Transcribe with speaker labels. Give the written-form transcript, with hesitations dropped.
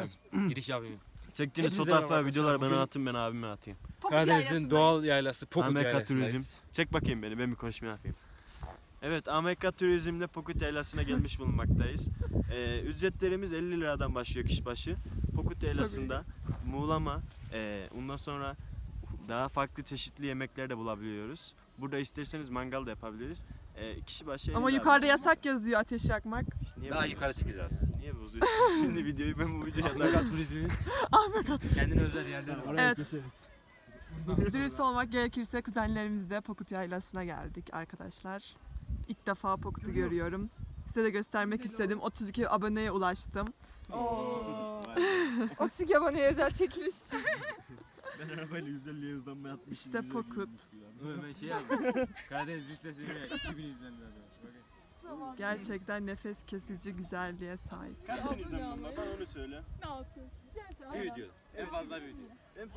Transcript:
Speaker 1: biraz giriş yapayım.
Speaker 2: Çektiğiniz
Speaker 1: Hepinize
Speaker 2: fotoğraflar,
Speaker 1: merhaba
Speaker 2: videoları
Speaker 1: arkadaşlar.
Speaker 2: bana atın, ben abime atayım.
Speaker 1: Karadeniz'in doğal yaylası Pokut
Speaker 2: Amerika
Speaker 1: Yaylası'ndayız.
Speaker 2: Turizm. Çek bakayım beni, ben bir konuşma yapayım. Evet, Amerika Turizm'de Pokut Yaylası'na gelmiş bulunmaktayız. Ücretlerimiz 50 liradan başlıyor kişi başı. Pokut Yaylası'nda muğlama, ondan sonra daha farklı çeşitli yemekler de bulabiliyoruz. Burada isterseniz mangal da yapabiliriz. Kişi başı 50
Speaker 3: Ama
Speaker 2: lira.
Speaker 3: yukarıda yasak yazıyor ateş yakmak.
Speaker 2: İşte niye
Speaker 1: Daha
Speaker 2: bozuyorsun?
Speaker 1: yukarı çıkacağız.
Speaker 2: Niye bozuyorsun? Şimdi videoyu ben bu videoya
Speaker 1: Amerika Turizm'in kendine özel yerleri var.
Speaker 3: Evet. Dürüst olmak gerekirse kuzenlerimizle Pokut Yaylası'na geldik arkadaşlar. İlk defa Pokut'u görüyorum. Size de göstermek istedim. 32 aboneye ulaştım. 32 aboneye özel çekiliş.
Speaker 2: Ben arabayla 150'ye hızlanma yapmışım.
Speaker 3: İşte Pokut.
Speaker 1: Ben şey yazdım. Karadeniz listesine 2000 izlenmeler.
Speaker 3: Gerçekten nefes kesici güzelliğe sahip.
Speaker 2: Kaç sen izlenmem var? Bana onu söyle.
Speaker 1: Bir video. En fazla bir video.